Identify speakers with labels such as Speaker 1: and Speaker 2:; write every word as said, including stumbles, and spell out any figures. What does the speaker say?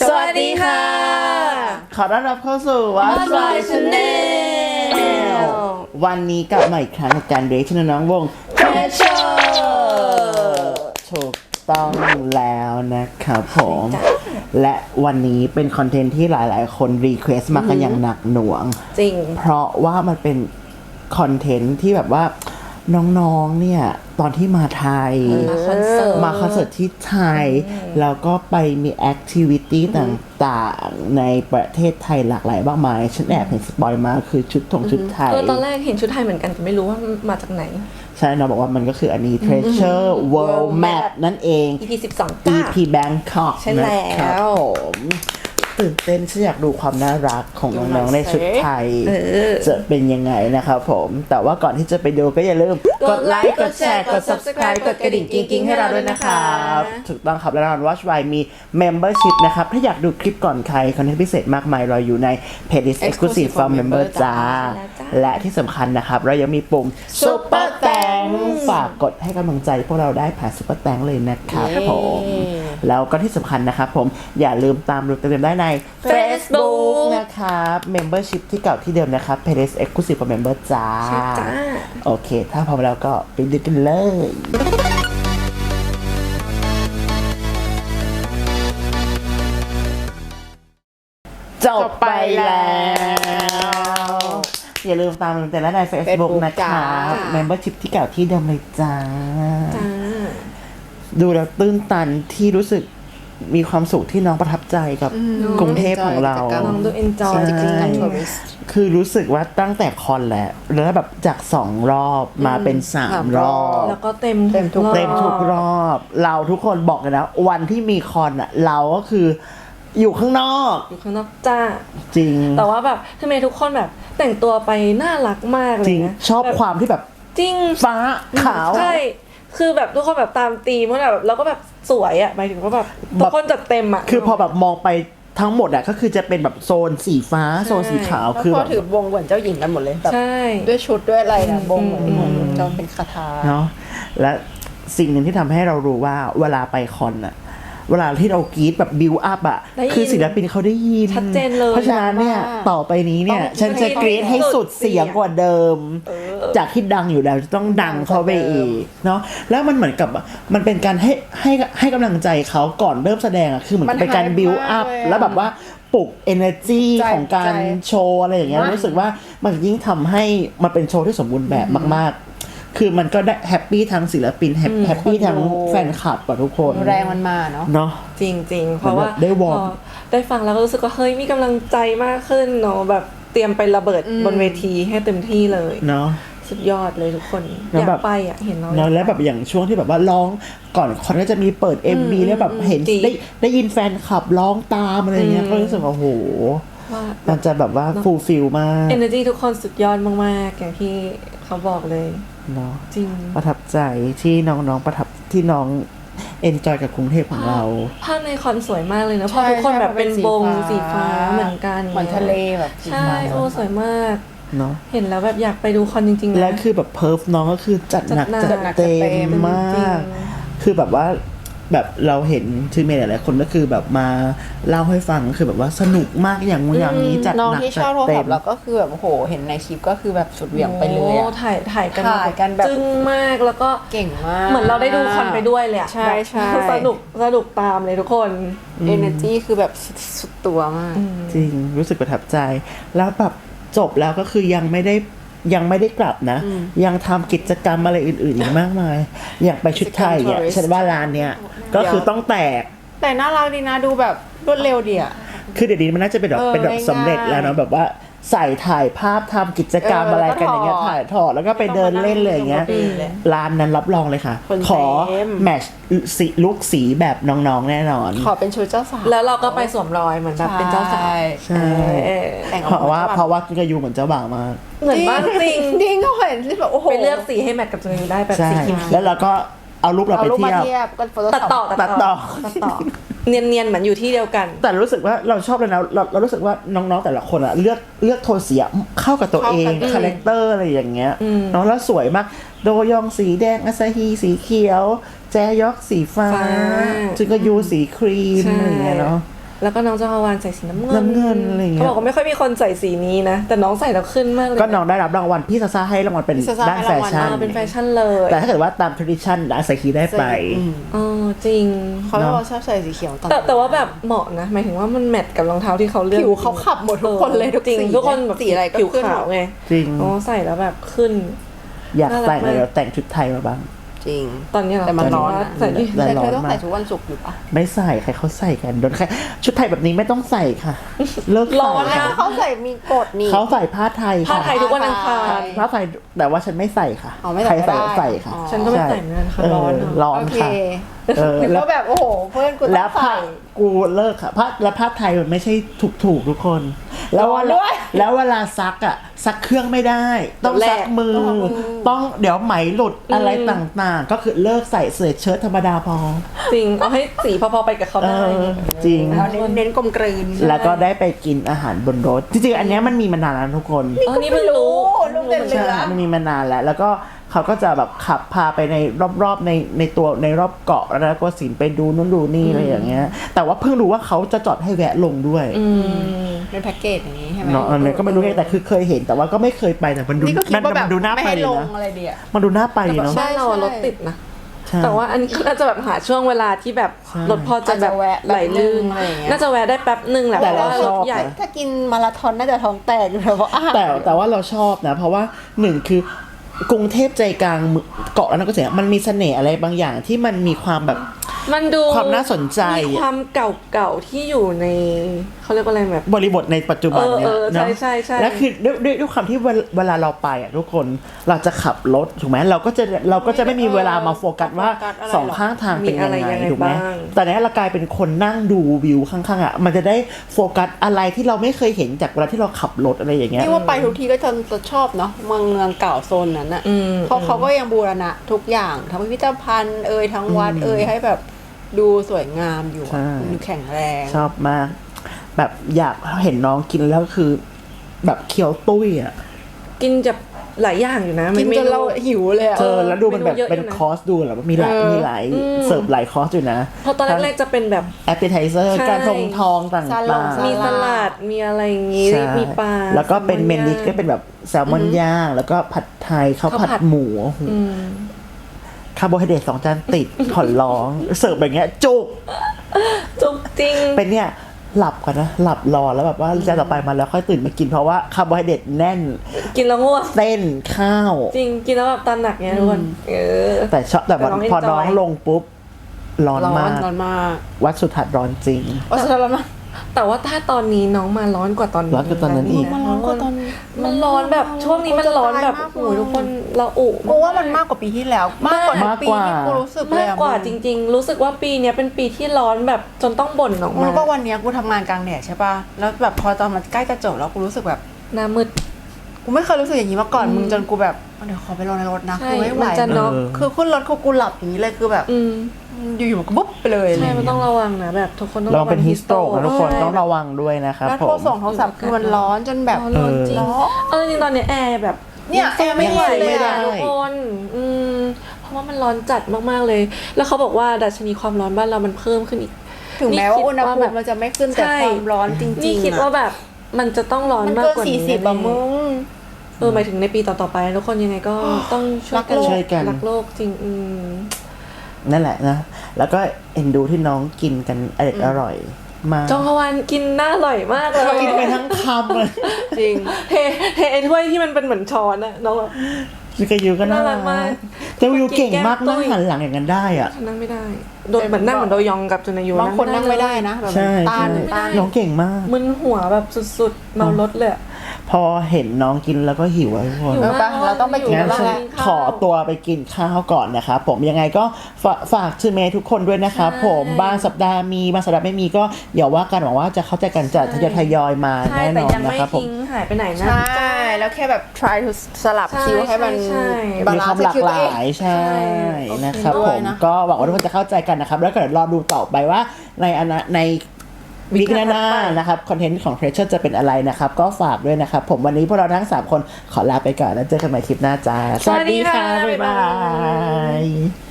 Speaker 1: สวัสดีค่ะ
Speaker 2: ขอต้อนรับเข้าสู่
Speaker 1: Watch My Channel
Speaker 2: วันนี้กลับมาอีกครั้งในการเรียกชื่อน้องวง
Speaker 1: Treasure
Speaker 2: ถูกต้องแล้วนะครับผมและวันนี้เป็นคอนเทนต์ที่หลายๆ คนรีเควสต์มากันอย่างหนักหน่วง
Speaker 1: จริง
Speaker 2: เพราะว่ามันเป็นคอนเทนต์ที่แบบว่าน้องๆเนี่ยตอนที่มาไทย
Speaker 1: มาคอนเสิร์ต
Speaker 2: มาคอนเสิร์ตที่ไทยแล้วก็ไปมีแอคทิวิตี้ต่างๆในประเทศไทยหลากหลายมากมายฉันแอบเห็นสปอยมาคือชุดทงชุดไทย
Speaker 1: เออตอนแรกเห็นชุดไทยเหมือนกันแต่ไม่รู้ว่ามาจากไหน
Speaker 2: ใช่น้องบอกว่ามันก็คืออันนี้ Treasure World Map นั่นเอง
Speaker 1: อี พี สิบสอง
Speaker 2: อี พี Bangkok
Speaker 1: ใช่แล้ว
Speaker 2: ตื่นเต้นฉันอยากดูความน่ารักของน้องๆในชุดไทยจะเป็นยังไงนะครับผมแต่ว่าก่อนที่จะไปดูก็อย่าลืมกดไลค์กดแชร์กด Subscribe กดกระดิ่งกิ๊งๆให้เราด้วยนะครับถูกต้องครับและเรา Watch Why มี Membership นะครับถ้าอยากดูคลิปก่อนใครคอนเทนต์พิเศษมากมายรออยู่ใน Playlist Exclusive for Member จ้าและที่สำคัญนะครับเรายังมีปุ่ม Super Thanks ฝากกดให้กำลังใจพวกเราได้ผ่าน Super Thanks เลยนะครับผมแล้วก็ที่สำคัญนะครับผมอย่าลืมตามดูเต็มๆได้ใน Facebook นะครับ Membership ที่เก่าที่เดิมนะครับ Playlist Exclusive for Member จ้าโอเคถ้าพร้อมแล้วก็ไปดูกันเลยจบไปแล้วอย่าลืมตามดูแต่ละใน Facebook นะครับ Membership ที่เก่าที่เดิมเลยจ้าดูแล้วตื้นตันที่รู้สึกมีความสุขที่น้องประทับใจกับกรุงเทพของเรา
Speaker 1: น้องดู enjoy จริงๆ
Speaker 2: คือรู้สึกว่าตั้งแต่คอนแล้วแล้วแบบจากสองรอบมาเป็นสามรอบ
Speaker 1: แล้วก็เต็มเต็มทุก
Speaker 2: เต็มทุกรอบเราทุกคนบอกเลยนะวันที่มีคอนอ่ะเราก็คืออยู่ข้างนอก
Speaker 1: อยู่ข้างนอกจ้า
Speaker 2: จริง
Speaker 1: แต่ว่าแบบทำไมทุกคนแบบแต่งตัวไปน่ารักมากเลยนะ
Speaker 2: ชอบความที่แบบ
Speaker 1: จริง
Speaker 2: ฟ้าขาว
Speaker 1: ใช่คือแบบทุกคนแบบตามธีมแบบแล้วก็แบบสวยอ่ะหมายถึงว่าแบบทุกคนจัดเต็มอ่ะ
Speaker 2: คือพอแบบมองไปทั้งหมดอ่ะก็คือจะเป็นแบบโซนสีฟ้าโซนสีขาวคือแบบ
Speaker 3: ถือวงเหมือนเจ้าหญิงกันหมดเลยแบบด้วยชุดด้วยอะไรนะวงเหมือนเหมือนเจ้าเป็นคาถา
Speaker 2: เนาะและสิ่งหนึ่งที่ทำให้เรารู้ว่าเวลาไปคอนอ่ะเวลาที่เรากรี๊ดแบบบิวอัพอ่ะคือศิลปินเขาได้ยิน
Speaker 1: ชัดเจนเลย
Speaker 2: เพราะฉะนั้นเนี่ยต่อไปนี้เนี่ยฉันจะกรี๊ดให้สุดเสียงกว่าเดิมจากที่ดังอยู่แล้วจะต้องดังเข้าไปอีกเนาะแล้วมันเหมือนกับมันเป็นการให้ให้ให้กำลังใจเขาก่อนเริ่มแสดงอ่ะคือเหมือนเป็นการบิวอัพแล้วแบบว่าปลุก energy ของการโชว์อะไรอย่างเงี้ยรู้สึกว่ามันยิ่งทำให้มันเป็นโชว์ที่สมบูรณ์แบบมากๆคือมันก็ได้แฮปปี้ทั้งศิลปินแฮปปี้ทั้งแฟนคลับกับทุกคน
Speaker 3: แรงมันมาเนาะ
Speaker 2: เนาะ
Speaker 1: จริงๆเพราะว่า
Speaker 2: ได้วอร์ม
Speaker 1: ได้ฟังแล้วก็รู้สึกว่าเฮ้ยมีกำลังใจมากขึ้นเนาะแบบเตรียมไประเบิดบนเวทีให้เต็มที่เลย
Speaker 2: เนาะ
Speaker 1: สุดยอดเลยทุกคนอยากไปอ่ะเห็นเรา
Speaker 2: แล้วแบบอย่างช่วงที่แบบว่าร้องก่อนคอนก็จะมีเปิด เอ็ม วี แล้วแบบเห็นได้ได้ยินแฟนคลับร้องตามอะไรเงี้ยก็รู้สึกว่าโอ้โหมันจะแบบว่าฟูลฟิลมาก
Speaker 1: energy ทุกคนสุดยอดมากๆอย่างที่เขาบอกเลย
Speaker 2: เนาะ
Speaker 1: จริง
Speaker 2: ประทับใจที่น้องๆประทับที่น้องเอนจอยกับกรุงเทพของเรา
Speaker 1: ภาพในคอนสวยมากเลยนะเพราะทุกคนแบบเป็นวงสีฟ้าเหมือนกัน
Speaker 3: เหมือนทะเลแบบ
Speaker 1: ใช่โอ้สวยมาก
Speaker 2: เนาะ
Speaker 1: เห็นแล้วแบบอยากไปดูคอนจริงๆ
Speaker 2: และคือแบบเพิร์ฟน้องก็คือจัดหนักจัดเต็มมากคือแบบว่าแบบเราเห็นทีมเมย์หลายๆคนก็คือแบบมาเล่าให้ฟังคือแบบว่าสนุกมากอย่างงูอย่างนี้จัดหนักจัดเต็ม
Speaker 3: แล้วก็คือแบบโอ้โหเห็นในคลิปก็คือแบบสุดเหวี่ยงไปเลยอ่ะ
Speaker 1: ถ่ายถ่ายกัน
Speaker 3: ถ่ายกันแบบ
Speaker 1: จึ้งมากแล้วก็
Speaker 3: เก่งมาก
Speaker 1: เหมือนเราได้ดูคอนไปด้วยเลย
Speaker 3: ใช่ใช่
Speaker 1: สนุกสนุกตามเลยทุกคน
Speaker 3: energy คือแบบสุดตัวมาก
Speaker 2: จริงรู้สึกประทับใจแล้วแบบจบแล้วก็คือยังไม่ได้ยังไม่ได้กลับนะยังทำกิจกรรมอะไรอื่นๆอีกมากมายอยากไปชุดไทยอ่ะฉันว่าร้านเนี้ยก็คือต้องแตก
Speaker 3: แต่น่ารักดีนะดูแบบรวดเร็วดีอ่ะ
Speaker 2: คือเดี๋ยวนี้มันน่าจะเป็นแบบเป็นแบบสำเร็จแล้วเนาะแบบว่าใส่ถ่ายภาพทำกิจกรรมอะไรกันอย่างเงี้ยถ่ายถอดแล้วก็ไปเดินเล่นเลยอย่างเงี้ยร้านนั้นรับรองเลยค่ะขอแมทช์สีลุคสีแบบน้องๆแน่นอน
Speaker 3: ขอเป็นชุดเจ้าสาว
Speaker 1: แล้วเราก็ไปสวมรอยเหมือนแบบเป็นเจ้าสาว
Speaker 2: ใช่เพราะว่าเพราะว่ากิกายูเหมือนเจ้าบ่าวมาก
Speaker 1: เหมือนมากจริง
Speaker 3: จริงก็เห็นที่แบบโอ้โห
Speaker 1: ไปเลือกสีให้แมทกับตัวเองได้แบบสีเขียว
Speaker 2: แล้วเราก็เอารูปเราไปเทียบ
Speaker 1: ตัดต่อ
Speaker 2: ตัดต่อ
Speaker 1: ตัดต่อเนียนๆเหมือนอยู่ที่เดียวกัน
Speaker 2: แต่รู้สึกว่าเราชอบเลยนะเราเรารู้สึกว่าน้องๆแต่ละคนอะเลือกเลือกโทนสีเข้ากับตัวเองคาแรคเตอร์อะไรอย่างเงี้ยน้องแล้วสวยมากโดยองสีแดงอาซาฮีสีเขียวแจยอกสีฟ้าจึงก็ยูสีครีมอะไรอย่างเงี้ยเนาะ
Speaker 1: แล้วก็น้องจองฮวานใส่สีน้ำเงิน
Speaker 2: น้ำเงินอะไรอย่างเงี้ย
Speaker 1: เขาบอกว่าไม่ค่อยมีคนใส่สีนี้นะแต่น้องใส่แล้วขึ้นมากเลย
Speaker 2: ก็น้องได้รับรางวัลพี่ซาซาให้รางวัลเป็น
Speaker 3: พี่ซาซ่า
Speaker 2: ด้าน
Speaker 3: ให้
Speaker 2: แฟ
Speaker 3: รางวัล
Speaker 2: ชั่น
Speaker 1: อ่าเป็นแฟชั่นเลย
Speaker 2: แต่ถ้าเกิดว่าตาม tradition อาซาฮิได้ไป
Speaker 1: อ๋อจริง
Speaker 3: เขาบอกว่าชอบใส่สีเขียวตอน
Speaker 1: แต่แต่ว่าแบบเหมาะนะหมายถึงว่ามันแมทกับรองเท้าที่เขาเลือก
Speaker 3: ผิวเขาขับหมดทุกคนเลยทุก
Speaker 1: จริง
Speaker 3: สี
Speaker 1: ทุกคนแบบ
Speaker 3: สีอะไรก็
Speaker 1: ผิว
Speaker 3: ขึ้นหม
Speaker 1: ขาว
Speaker 3: ด
Speaker 1: ไง
Speaker 2: จริง
Speaker 1: อ๋อใส่แล้วแบบขึ้น
Speaker 2: อยาก
Speaker 1: น่ารัก
Speaker 2: แต่งเลย
Speaker 1: มาก
Speaker 2: เดี๋ยวแต่งชุดไทยมาบ้าง
Speaker 3: จริง
Speaker 1: ตอนนี้เหรอ
Speaker 3: แต่มันร้อนนะ
Speaker 1: ใส่ที่
Speaker 2: แต่
Speaker 3: แต่
Speaker 2: ร้อน
Speaker 3: เธอต้อง
Speaker 2: มาก
Speaker 3: ใส่ทุกวันศุกร์อยู่ปะ
Speaker 2: ไม่ใส่ใครเขาใส่กันโดนใครชุดไทยแบบนี้ไม่ต้องใส่ค่ะ เลิก
Speaker 1: ร้อน
Speaker 2: ใส่
Speaker 1: นะ
Speaker 3: เขาใส่มีกฎนี่
Speaker 2: เขาใส่ผ้าไทย
Speaker 1: ผ้า
Speaker 2: ค่ะ
Speaker 1: ไทยทุกวันอังคาร
Speaker 2: ผ้าไทยแต่ว่าฉันไม่ใส่ค่ะ
Speaker 3: อ๋อไม่ใส่
Speaker 2: ใครใส่
Speaker 3: ก็
Speaker 2: ก็
Speaker 3: ได้
Speaker 2: ใส่ค่ะ
Speaker 3: อ๋อ
Speaker 1: ฉันก็ไม่ใส่เหมือนกันค่ะ
Speaker 2: เออ
Speaker 1: ร้อนเนอะ
Speaker 2: ร้อน
Speaker 3: โอเค
Speaker 2: ค่ะเออ
Speaker 3: หรือ
Speaker 2: แล้ว
Speaker 3: ว่าแบบโอ้โหเพื่อนกูต้
Speaker 2: แล้
Speaker 3: อ
Speaker 2: ว
Speaker 3: ง
Speaker 2: ผ้า
Speaker 3: ใส่
Speaker 2: กูเลิกค่ะผ้าแล้วผ้าไทยมันไม่ใช่ถูกถูกๆทุกคน แล้วเว
Speaker 3: ร้อน
Speaker 2: ลา
Speaker 3: ด้วย
Speaker 2: แล้วเวลาซักอ่ะซักเครื่องไม่ได้ ต้อง
Speaker 1: แลก
Speaker 2: ซักมือ ต้องเดี๋ยวไหมหลุดอะไรต่างๆ ก็คือเลิกใส่เสื้อเชิ้ตธรรมดาพอ
Speaker 1: จริงเอาให้สีพอๆไปกับเขา
Speaker 2: เอ
Speaker 1: ได้
Speaker 2: อจริง
Speaker 3: เอาเน้นเน้นกลมกลืน
Speaker 2: แล้วก็ได้ไปกินอาหารบนรถ จริงๆ อันเนี้ยมันมีมานานแล้วทุกคน
Speaker 1: เออนี่เพิ่งรู้
Speaker 3: ลูกเด่นเหลื
Speaker 2: ใช่
Speaker 3: อ
Speaker 2: มันมีมานานแล้ว แล้วก็เขาก็จะแบบขับพาไปในรอบๆในในตัวในรอบเกาะแล้วก็สินไปดูนู่นดูนี่อะไรอย่างเงี้ย แต่ว่าเพิ่งรู้ว่าเขาจะจอดให้แวะลงด้วย
Speaker 1: อืม
Speaker 3: เป็นแพ็กเกจอย่างนี้ใช่ไหม
Speaker 2: เนาะอันนี้ก็ไม่รู้ไงแต่คือเคยเห็นแต่ว่าก็ไม่เคยไปแต่มันดู
Speaker 3: นี่ก็คิด
Speaker 2: มัน
Speaker 3: ว่าแบบ
Speaker 2: มันดูน่า
Speaker 3: ไม่
Speaker 2: ไป
Speaker 3: ให้
Speaker 2: ดี
Speaker 3: ลง
Speaker 2: นะ
Speaker 3: อะไรเดีย
Speaker 2: มันดูน่าไปดีเนาะ
Speaker 1: บ้านเราอะรถติดนะ
Speaker 2: ใช่
Speaker 1: แต่ว่าอันนี้ก็น่าจะแบบหาช่วงเวลาที่แบบ
Speaker 2: ใช่
Speaker 1: รถพอจะแบบ
Speaker 3: อาจจะแวะ
Speaker 1: ไหลลื่น
Speaker 3: อะไรอย่างเงี้ย
Speaker 1: น่าจะแวะได้แป๊บหนึ่งแหละ
Speaker 2: แต่
Speaker 1: เพราะ
Speaker 2: เรา
Speaker 1: ว่าร
Speaker 2: ช
Speaker 1: ถ
Speaker 2: อบ
Speaker 1: ใหญ่
Speaker 3: ถ้ากินมาราธอนน่าจะท้องแตกอยู่แล้วเพราะอาหาร
Speaker 2: แต่แต่ว่าเราชอบนะ เพราะว่าหนึ่งคือกรุงเทพใจกลางเกาะแล้วนั่นก็เสียมันมีเสน่ห์อะไรบางอย่างที่มันมีความแบบ
Speaker 1: มันดู
Speaker 2: ความน่าสนใจ
Speaker 1: มีความเก่าๆที่อยู่ในเขาเรียกว่าอะไรแบบ
Speaker 2: บริบทในปัจจุบันเนี่ย
Speaker 1: เออเออ
Speaker 2: เนาะ
Speaker 1: ใช่ใช่ใช่
Speaker 2: และคือด้วยด้วยด้วยความที่เวลเวลาเราไปอ่ะทุกคนเราจะขับรถถูกไหมเราก็จะเราก็จะไม่มีเวลามาโฟกัสว่าสองข้างทางเป็นยังไงถูกไหมแต่เนี้ยเรากลายเป็นคนนั่งดูวิวข้างๆอ่ะมันจะได้โฟกัสอะไรที่เราไม่เคยเห็นจากเวลาที่เราขับรถอะไรอย่างเงี้ย
Speaker 3: นี่ว่าไปทุกทีก็จะจะชอบเนาะเมืองเมืองเก่าโซนนั้นอะ
Speaker 1: อืม
Speaker 3: เพราะเขาก็ยังบูรณะทุกอย่างทั้งพิพิธภัณฑ์เอ่ยทั้งวัดเอ่ยให้แบบดูสวยงามอยู่
Speaker 2: ใช่
Speaker 3: อะดูแข็งแรง
Speaker 2: ชอบมาก แบบอยากเห็นน้องกินแล้วคือ แบบเคี้ยวตุ้ยอ่ะ
Speaker 1: กินจะหลายอย่างอยู่นะ
Speaker 3: กิน
Speaker 1: ไม่
Speaker 3: จนเราหิวเลยอะ
Speaker 2: เจอแล้วดูมันแบบ
Speaker 1: เมนูเยอะอยู่นะ
Speaker 2: เป็นคอร์สดูแบบว่ามีหลาย
Speaker 3: เออ
Speaker 2: มีหลาย
Speaker 1: อืม
Speaker 2: เสิร์ฟหลายคอร์สอยู่นะ
Speaker 1: เพราะตอนแรกๆจะเป็นแบบ
Speaker 2: แอปเปิลไทเซอร์
Speaker 1: ใช่
Speaker 2: การทงทองต่าง
Speaker 3: ซาลง
Speaker 2: ๆ
Speaker 3: ซา
Speaker 1: มีสลัดมีอะไรอย่างงี้
Speaker 2: ใช่
Speaker 1: มีปลา
Speaker 2: แล้วก็เป็น
Speaker 1: แซล
Speaker 2: เม
Speaker 1: อน
Speaker 2: นดิช
Speaker 1: ย่าง
Speaker 2: ก็เป็นแบบแซลมอนย่าง แล้วก็ผัดไทยข้าว
Speaker 1: ข้าว
Speaker 2: ผัด
Speaker 1: ผัด
Speaker 2: หมูโอ้โห
Speaker 1: อืม
Speaker 2: คาร์โบไฮเดรตสองจานติด ขอร้อง เสิร์ฟแบบเงี้ยจุก
Speaker 1: จุกจริง
Speaker 2: เป็นเนี่ยหลับก่อนนะ หลับรอแล้วแบบว่าจานต่อไปมาแล้วค่อยตื่นมากินเพราะว่าคาร์โบไฮเดรตแน่น
Speaker 1: กินแล้วง่วง
Speaker 2: เส้นข้าว
Speaker 1: จริงกินแล้วแบบตาหนักเงี้ยทุกคนเออ
Speaker 2: แต่ชอบแต่วัน
Speaker 1: แต่น้อง
Speaker 2: พอ
Speaker 1: enjoy
Speaker 2: น้องลงปุ๊บ ร้อน
Speaker 3: ร้อ
Speaker 2: มาน ก
Speaker 3: ร้อนมาก
Speaker 2: วัดสุทัศน์ร้อนจริง
Speaker 3: ว่าจะร้อนมาก
Speaker 1: แต่ว่าถ้าตอนนี้น้องมาร้อนกว่าตอนนี้
Speaker 2: ร้อนกว่าตอนนั้นอีก
Speaker 3: มันร้อนกว่าตอน
Speaker 1: มันร้อนแบบช่วงนี้มันร้อนแบบโอ้โหทุกคนเราอุ
Speaker 3: กูว่ามันมากกว่าปีที่แล้ว มากกว่าทุกปีที่กูรู้สึกเลย
Speaker 1: มาก
Speaker 3: อะ
Speaker 1: กว่า
Speaker 3: มึง
Speaker 1: จริง ๆ รู้สึกว่าปีเนี้ยเป็นปีที่ร้อนแบบจนต้องบ่นออกมา
Speaker 3: รู้ป่ะวันเนี้ยกูทำงานกลางแดดใช่ป่ะแล้วแบบพอตอนมันใกล้จะจบแล้วกูรู้สึกแบบ
Speaker 1: หน้ามืด
Speaker 3: กูไม่เคยรู้สึกอย่างนี้มาก่อนมึงจนกูแบบเดี๋ยวขอไปรอในรถนะ
Speaker 1: ใช่
Speaker 3: กูไม่ไหว
Speaker 1: มันจะน็อก
Speaker 2: เออ
Speaker 3: คือขึ้นรถคือกูหลับอย่างนี้เลยคือแบบ
Speaker 1: อืม
Speaker 3: อยู่ๆมันก็บุ๊บไปเลย
Speaker 1: ใช่มันต้องระวังนะแบบทุกคนต้อง
Speaker 2: เราเป็นฮิสโตรกนะทุกคน
Speaker 1: ใช่
Speaker 2: ต้องระวังด้วยนะครับ
Speaker 3: แล้ว
Speaker 2: ผ
Speaker 3: โทร
Speaker 2: ม
Speaker 3: ส่งโทรศัพท์คือมันร้อนจนแบบ
Speaker 1: ร้อนจริง
Speaker 3: ร้อน
Speaker 1: เออจริงๆตอนเนี้ยแอร์แบบ
Speaker 3: เนี่ยแอร์ไม่
Speaker 1: ไหว
Speaker 3: เย็นเลย
Speaker 1: ไม่ได้
Speaker 3: อะ
Speaker 1: ทุกคนอืมเพราะว่ามันร้อนจัดมากๆเลย แล้วเขาบอกว่าดัชนีความร้อนบ้านเรามันเพิ่มขึ้นอีก
Speaker 3: ถึงแม้ว่าอุณหภู
Speaker 1: แบ
Speaker 3: มิ
Speaker 1: บ
Speaker 3: มันจะไม่ขึ้นแต่
Speaker 1: ใช่
Speaker 3: ความร้อนจริงๆ
Speaker 1: นี่คิด
Speaker 3: อะ
Speaker 1: ว่าแบบมันจะต้องร้อน
Speaker 3: มัน
Speaker 1: มาก
Speaker 3: เกิน
Speaker 1: กว่า
Speaker 3: สี่
Speaker 1: นี้
Speaker 3: สิบอะมึง
Speaker 1: เออหมายถึงในปีต่อๆไปทุกคนยังไงก็ต้องช่วยกัน
Speaker 2: ช่วยกัน
Speaker 1: รักโลกจริงอืม
Speaker 2: นั่นแหละนะ แล้วก็เอ็นดูที่น้องกินกันอร่อยอร่อยมาก
Speaker 1: จองฮวานกินน่าอร่อยมากเลย
Speaker 2: กินไปทั้งคำเลย
Speaker 3: จริง
Speaker 1: เทเทไอ้ถ้วยที่มันเป็นเหมือนช้อนอะน้องแบบ
Speaker 2: จิกายูก็น่า
Speaker 1: น่ารั
Speaker 2: รั
Speaker 1: ก
Speaker 2: ก
Speaker 1: มาก
Speaker 2: แต่วิวเก่งมาก
Speaker 1: กินแก้มตุ้
Speaker 2: นั่ง
Speaker 1: ย
Speaker 2: หันหลังอย่างนั้นได้อ่ะ
Speaker 1: นั่งไม่ได้โดนเหมือนนั่งเหมือนโดยองกับจุนอายุ
Speaker 3: บางคนนั่งไม่ได้นะแบบ
Speaker 2: ใช่
Speaker 3: ต้าน
Speaker 2: ใช่
Speaker 3: ต้าน
Speaker 2: น้องเก่งมาก
Speaker 1: มึนหัวแบบสุดๆเมารถเลยอะ
Speaker 2: พอเห็นน้องกินแล้วก็หิวอะทุกคน
Speaker 3: เออปะเราต้องไปกิน
Speaker 2: งั้น
Speaker 3: บ้าง
Speaker 2: ฉัน
Speaker 3: แล้ว
Speaker 2: ขอตัวไปกินข้าวก่อนนะครับผมยังไงก็ฝาฝากชื่อเมย์ทุกคนด้วยนะครับผมบางสัปดาห์มีบางสัปดาห์ไม่มีก็อย่าว่ากันหวังว่าจะเข้าใจกันจะทยอยทยอยมา
Speaker 1: ใช่
Speaker 2: แน่น
Speaker 1: แต่
Speaker 2: อน
Speaker 1: ยัง
Speaker 2: นะ
Speaker 1: ไม่
Speaker 2: ครับผม
Speaker 1: ทิ้งหายไปไหนนะ
Speaker 3: ใช่ แล้วแค่แบบ try to สลับ
Speaker 1: ใช่
Speaker 3: คิวให้มัน
Speaker 1: ใช่ใช่
Speaker 3: บา
Speaker 2: มี
Speaker 3: ลา
Speaker 2: ความ
Speaker 3: นซ์
Speaker 2: หลาก
Speaker 3: คิว
Speaker 2: ห
Speaker 3: ตัวเอ
Speaker 2: ลาง ยใช่นะครับ
Speaker 3: ด้
Speaker 2: ผ
Speaker 3: วย
Speaker 2: ม
Speaker 3: นะ
Speaker 2: ก็หวังว่าทุกคนจะเข้าใจกันนะครับ แล้วก็เดี๋ยวรอดูต่อไปว่าในอนาในวิกหน้าๆนะครับคอนเทนต์ของ Pressure จะเป็นอะไรนะครับ ก็ฝากด้วยนะครับ ผมวันนี้พวกเราทั้งสามคนขอลาไปก่อนแล้วเจอกันใหม่คลิปหน้าจ้า
Speaker 1: สวัสดีค่ะ
Speaker 2: บ๊ายบา
Speaker 1: บ๊ายบาย
Speaker 2: ย